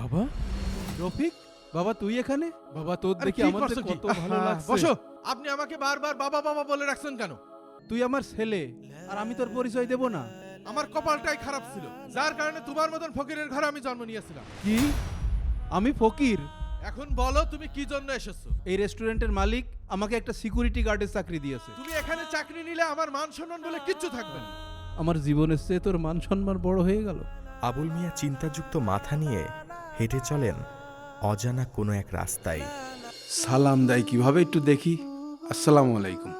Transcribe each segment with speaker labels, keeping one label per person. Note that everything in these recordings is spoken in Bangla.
Speaker 1: বাবা রফিক, বাবা তুই এখানে? বাবা তোর দেখি আমার কত ভালো লাগছে।
Speaker 2: বসো। আপনি আমাকে বারবার বাবা বাবা বলে রাখছেন কেন?
Speaker 1: তুই আমার ছেলে, আর আমি তোর পরিচয় দেব না?
Speaker 2: আমার কপালটাই খারাপ ছিল, যার কারণে তোমার মতন ফকিরের ঘরে আমি জন্ম নিয়েছিলাম।
Speaker 1: কি? আমি ফকির?
Speaker 2: এখন বলো তুমি কি জন্য এসেছো?
Speaker 1: এই রেস্টুরেন্টের মালিক আমাকে একটা সিকিউরিটি গার্ডের চাকরি দিয়েছে।
Speaker 2: তুমি এখানে চাকরি নিলে আমার মান সম্মান বলে কিচ্ছু থাকবে না।
Speaker 1: আমার জীবনের চেয়ে তোর মান সম্মান বড় হয়ে গেল।
Speaker 3: আবুল মিয়া চিন্তাযুক্ত মাথা নিয়ে হেঁটে চলেন অজানা কোনো এক রাস্তায়।
Speaker 1: সালাম দেয় কিভাবে একটু দেখি। আসসালামু আলাইকুম।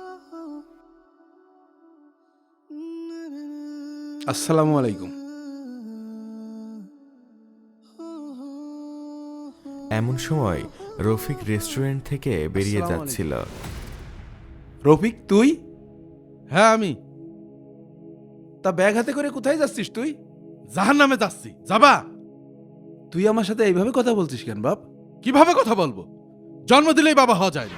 Speaker 1: আসসালামু আলাইকুম।
Speaker 3: এমন সময় রফিক রেস্টুরেন্ট থেকে বেরিয়ে
Speaker 1: আসসালামু
Speaker 3: যাচ্ছিল।
Speaker 1: রফিক তুই?
Speaker 2: হ্যাঁ আমি।
Speaker 1: তা ব্যাগ হাতে করে কোথায় যাচ্ছিস তুই?
Speaker 2: জাহান্নামে যাচ্ছি। যাবা?
Speaker 1: তুই আমার সাথে এইভাবে কথা বলছিস কেন বাপ?
Speaker 2: কিভাবে কথা বলবো? জন্ম দিলেই বাবা হওয়া যায় না।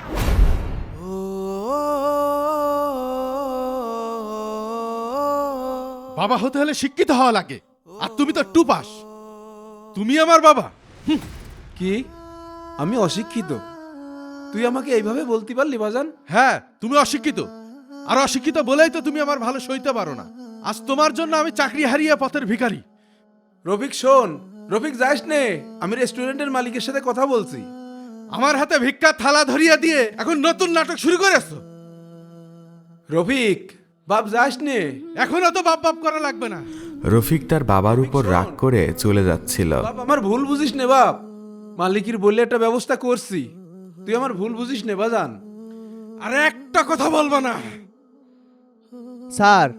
Speaker 2: বাবা হতে হলে শিক্ষিত হওয়া লাগে, আর তুমি তো টু পাস। তুমি আমার বাবা?
Speaker 1: কি? আমি অশিক্ষিত? তুই আমাকে এইভাবে বলতে পারলি বাজান?
Speaker 2: হ্যাঁ, তুমি অশিক্ষিত, আর অশিক্ষিত বলেই তো তুমি আমার ভালো সইতে পারো না। আজ তোমার জন্য আমি চাকরি হারিয়ে পথের ভিখারি।
Speaker 1: রফিক শোন, রফিক যাস নে, আমি রেস্টুরেন্টের মালিকের সাথে কথা বলছি।
Speaker 2: আমার হাতে ভিক্ষা থালা ধরিয়ে দিয়ে এখন নতুন নাটক শুরু করেছো।
Speaker 1: রফিক বাপ যাস নে।
Speaker 2: এখন অত বাপ বাপ করা লাগবে না।
Speaker 3: রফিক তার বাবার উপর রাগ করে চলে যাচ্ছিল।
Speaker 1: বাপ আমার ভুল বুঝিস নে বাপ, মালিকের বললে একটা ব্যবস্থা করছি, তুই আমার ভুল বুঝিস নে বাজান।
Speaker 2: আরে একটা কথা বলবো না।
Speaker 4: স্যার,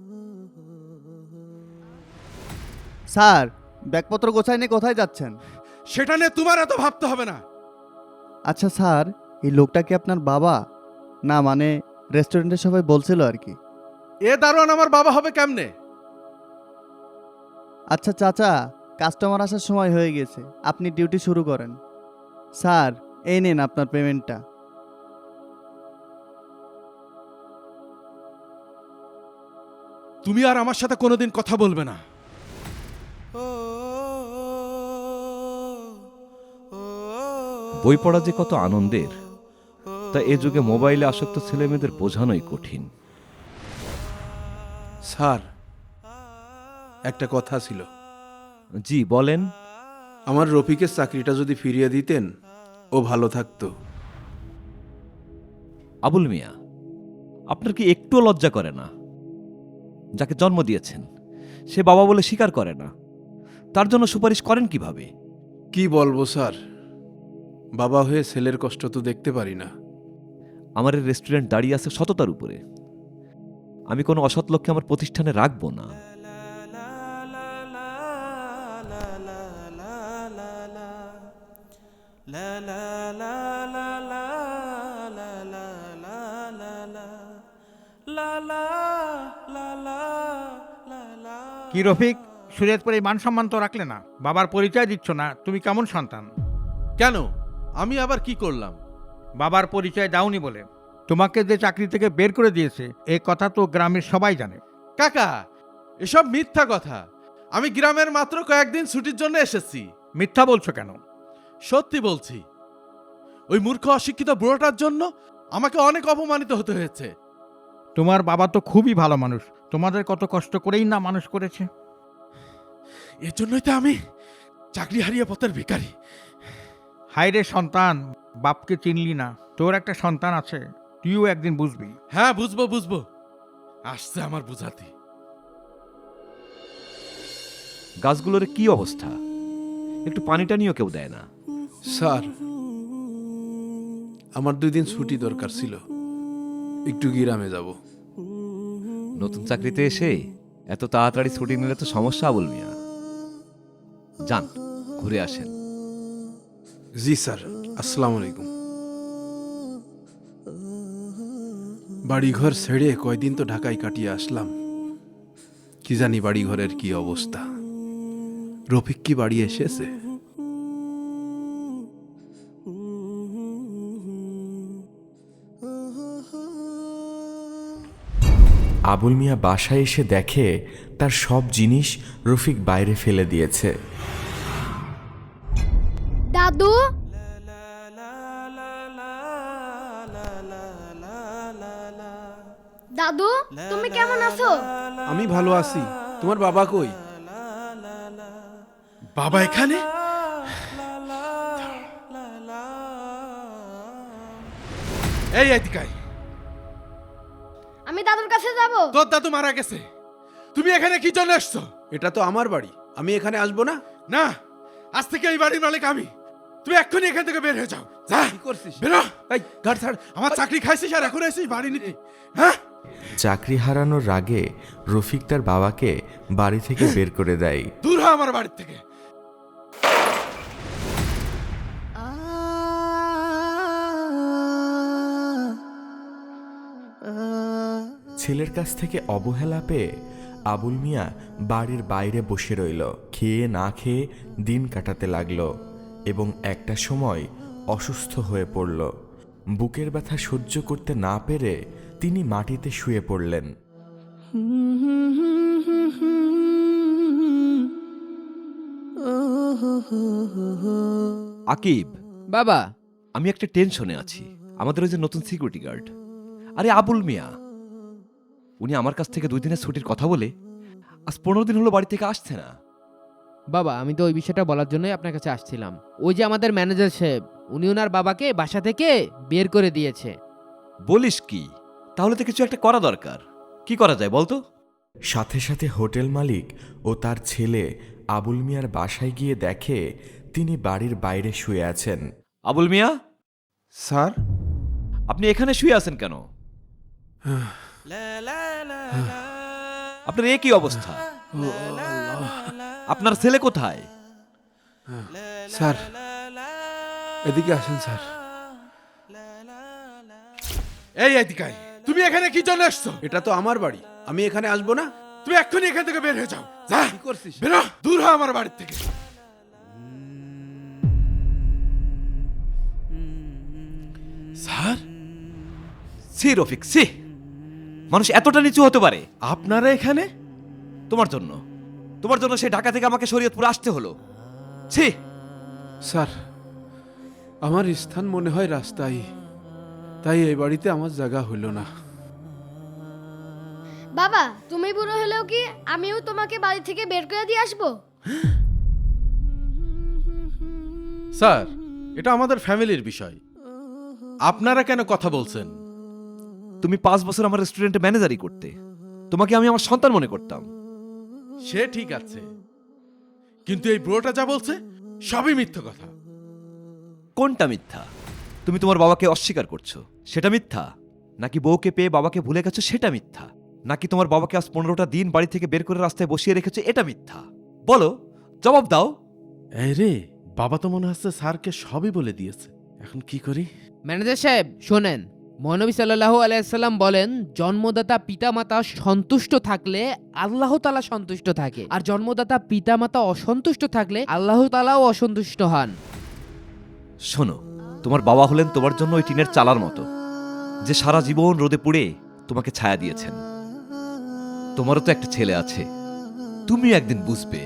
Speaker 4: স্যার ব্যাগপত্র গোছায় নিয়ে কোথায় যাচ্ছেন?
Speaker 2: সেটা নিয়ে তোমার এত ভাবতে হবে না।
Speaker 4: আচ্ছা স্যার, এই লোকটা কি আপনার বাবা? না মানে রেস্টুরেন্টের সবাই বলছিল আর কি।
Speaker 2: এ দারোয়ান আমার বাবা হবে কেমনে?
Speaker 4: আচ্ছা চাচা, কাস্টমার আসার সময় হয়ে গেছে, আপনি ডিউটি শুরু করেন। স্যার এই নিন আপনার পেমেন্টটা।
Speaker 2: তুমি আর আমার সাথে কোনোদিন কথা বলবে না।
Speaker 5: বই পড়া যে কত আনন্দের, তা এ যুগে মোবাইলে আসক্ত ছেলেমেয়েদের বোঝানোই কঠিন।
Speaker 1: স্যার, একটা কথা ছিল।
Speaker 5: জি বলেন।
Speaker 1: আমার রফিকের চাকরিটা যদি ফিরিয়ে দিতেন, ও ভালো থাকতো।
Speaker 5: আবুল মিয়া, আপনার কি একটুও লজ্জা করে না? যাকে জন্ম দিয়েছেন সে বাবা বলে স্বীকার করে না, তার জন্য সুপারিশ করেন কিভাবে?
Speaker 1: কি বলবো স্যার, বাবা হয়ে ছেলের কষ্ট তো দেখতে পারি না।
Speaker 5: আমার এই রেস্টুরেন্ট দাঁড়িয়ে আছে সততার উপরে। আমি কোনো অসৎ লোককে আমার প্রতিষ্ঠানে রাখবো না।
Speaker 6: কি রফিক, সুরেজপুরে মান সম্মান তো রাখলে না, বাবার পরিচয় দিচ্ছ না, তুমি কেমন সন্তান?
Speaker 2: কেন? আমি আবার কি করলাম?
Speaker 6: বাবার পরিচয় দাওনি বলে তোমাকে যে চাকরি থেকে বের করে দিয়েছে এই কথা তো গ্রামের সবাই জানে।
Speaker 2: কাকা, এসব মিথ্যা কথা। আমি গ্রামের মাত্র কয়েকদিন ছুটির জন্য এসেছি।
Speaker 6: মিথ্যা বলছো কেন?
Speaker 2: সত্যি বলছি, ওই মূর্খ অশিক্ষিত বুড়োটার জন্য আমাকে অনেক অপমানিত হতে হয়েছে।
Speaker 6: তোমার বাবা তো খুবই ভালো মানুষ, তোমাদের কত কষ্ট করেই না মানুষ করেছে।
Speaker 2: এর জন্যই তো আমি চাকরি হারিয়ে পথের ভিখারি।
Speaker 6: হায়রে সন্তান, বাপকে চিনলি না। তোর একটা সন্তান আছে, তুইও একদিন বুঝবি।
Speaker 2: হ্যাঁ বুঝবো বুঝবো, আসছে আমার বুঝাতে।
Speaker 5: গাছগুলোর কি অবস্থা? একটু পানি টানিও কেউ দেয় না।
Speaker 1: স্যার, আমার 2 দিন ছুটি দরকার ছিল, একটু গ্রামে যাব।
Speaker 5: নতুন চাকরিতে এসে এত তাড়াতাড়ি ছুটি নিলে তো সমস্যা আবুল মিয়া। যান, ঘুরে আসেন।
Speaker 1: জি স্যার, আসসালামু আলাইকুম। বাড়িঘর ছেড়ে কয়দিন তো ঢাকায় কাটিয়ে আসলাম, কি জানি বাড়িঘরের কি অবস্থা। রফিক কি বাড়ি এসেছে?
Speaker 3: আবুল মিয়া বাসায় এসে দেখে তার সব জিনিস রফিক বাইরে ফেলে দিয়েছে।
Speaker 7: দাদু, দাদু তুমি কেমন আছো?
Speaker 1: আমি ভালো আছি। তোমার বাবা কই?
Speaker 2: বাবা এখানে? এই এদিকে আয়।
Speaker 7: আমি দাদুর কাছে যাব।
Speaker 2: তোর দাদু মারা গেছে, তুমি এখানে কি জন্য এসছো?
Speaker 1: এটা তো আমার বাড়ি, আমি এখানে আসবো না?
Speaker 2: না, আজ থেকে এই বাড়ির মালিক আমি। তুমি এক্ষুনি এখান থেকে বের হয়ে যাও। যা,
Speaker 1: কি করছিস?
Speaker 2: বেরো।
Speaker 1: এই ঘাট ছাড়।
Speaker 2: আমার চাকরি খাইছিস আর এখন এসেছিস বাড়ি নিতে? হ্যাঁ,
Speaker 3: চাকরি হারানোর রাগে রফিক তার বাবাকে বাড়ি থেকে বের করে দেয়।
Speaker 2: দূর হ আমার বাড়ির থেকে।
Speaker 3: ছেলের কাছ থেকে অবহেলা পেয়ে আবুল মিয়া বাড়ির বাইরে বসে রইল। খেয়ে না খেয়ে দিন কাটাতে লাগলো এবং একটা সময় অসুস্থ হয়ে পড়ল। বুকের ব্যথা সহ্য করতে না পেরে তিনি মাটিতে শুয়ে পড়লেন।
Speaker 5: আকিব,
Speaker 8: বাবা,
Speaker 5: আমি একটা টেনশনে আছি। আমাদের ওই যে নতুন সিকিউরিটি গার্ড, আরে আবুল মিয়া, উনি আমার কাছ থেকে 2 দিনের ছুটির কথা বলে আজ 15 দিন হলো বাড়ি থেকে আসছে না।
Speaker 8: বাবা আমি তো ওই বিষয়টা বলার জন্যই আপনার কাছে আসছিলাম। ওই যে আমাদের ম্যানেজার সাহেব, উনি ওনার বাবাকে বাসা থেকে বের করে দিয়েছে।
Speaker 5: বলিস কি? তাহলে তো কিছু একটা করা দরকার। কি করা যায় বলতো?
Speaker 3: সাথে সাথে হোটেল মালিক ও তার ছেলে আবুল মিয়ার বাসায় গিয়ে দেখে তিনি বাড়ির বাইরে শুয়ে আছেন।
Speaker 5: আবুল মিয়া,
Speaker 1: স্যার,
Speaker 5: আপনি এখানে শুয়ে আছেন কেন? আপনার এ কি অবস্থা? আপনার ছেলে কোথায়?
Speaker 1: স্যার এদিকে আসেন স্যার।
Speaker 2: এই এদিকে আয়। তুমি এখানে কি জন্য এসছো?
Speaker 1: এটা তো আমার বাড়ি, আমি এখানে আসবো না?
Speaker 2: তুমি এক্ষুনি এখান থেকে বের হয়ে যাও। যা,
Speaker 1: কি করছিস?
Speaker 2: বেরো, দূর হ আমার বাড়ির থেকে। স্যার,
Speaker 5: সি রফিক, সি, মানুষ এতটা নিচু হতে পারে?
Speaker 2: আপনারা এখানে?
Speaker 5: তোমার জন্য, তোমার জন্য সে ঢাকা থেকে আমাকে শরীয়তপুর আসতে হলো। ছি!
Speaker 1: স্যার, আমার স্থান মনে হয় রাস্তায়, তাই এই বাড়িতে আমার জায়গা হইল না।
Speaker 7: বাবা তুমি বুড়ো হলেও কি আমিও তোমাকে বাড়ি থেকে বের করে দিয়ে আসবো?
Speaker 2: স্যার, এটা আমাদের ফ্যামিলির বিষয়, আপনারা কেন কথা বলছেন?
Speaker 5: তুমি 5 বছর আমার রেস্টুরেন্টে ম্যানেজারি করতে, তোমাকে আমি আমার সন্তান মনে করতাম।
Speaker 2: সে ঠিক আছে, কিন্তু এই বুড়োটা যা বলছে সবই মিথ্যে কথা।
Speaker 5: কোনটা মিথ্যা? তুমি তোমার বাবাকে অস্বীকার করছো, সেটা মিথ্যা? নাকি বউকে পেয়ে বাবাকে ভুলে গেছো, সেটা মিথ্যা? নাকি তোমার বাবাকে আজ 15টা দিন বাড়ি থেকে বের করে রাস্তায় বসিয়ে রেখেছো, এটা মিথ্যা? বলো, জবাব দাও।
Speaker 2: এই রে, বাবা তো মনে হচ্ছে স্যারকে সবই বলে দিয়েছে, এখন কি করি?
Speaker 8: ম্যানেজার সাহেব শোনেন, মহানবী সাল্লাল্লাহু আলাইহি সাল্লাম বলেন, জন্মদাতা পিতামাতা সন্তুষ্ট থাকলে আল্লাহ তাআলা সন্তুষ্ট থাকে, আর জন্মদাতা পিতামাতা অসন্তুষ্ট থাকলে আল্লাহ তাআলাও অসন্তুষ্ট হন।
Speaker 5: শোনো, তোমার বাবা হলেন তোমার জন্য ওই টিনের চালার মতো, যে সারা জীবন রোদে পুড়ে তোমাকে ছায়া দিয়েছেন। তোমারও তো একটা ছেলে আছে, তুমি একদিন বুঝবে।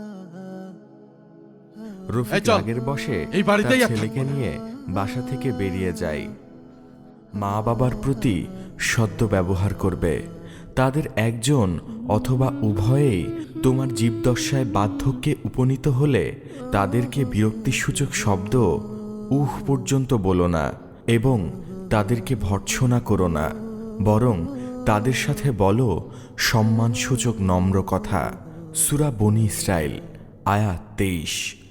Speaker 3: রফিক
Speaker 2: এই চল,
Speaker 3: আগের বসে
Speaker 2: এই বাড়িতেই
Speaker 3: তার
Speaker 2: আর
Speaker 3: ছেলেকে
Speaker 2: থাকবো না।
Speaker 3: নিয়ে বাসা থেকে বেরিয়ে যায়। মা বাবার প্রতি সদ্য ব্যবহার করবে। তাদের একজন অথবা উভয়েই তোমার জীবদশায় বার্ধক্যে উপনীত হলে তাদেরকে বিরক্তিসূচক শব্দ উহ পর্যন্ত বলো না এবং তাদেরকে ভর্ৎসনা করো না, বরং তাদের সাথে বলো সম্মানসূচক নম্র কথা। সূরা বনী ইসরাইল, আয়াত 23।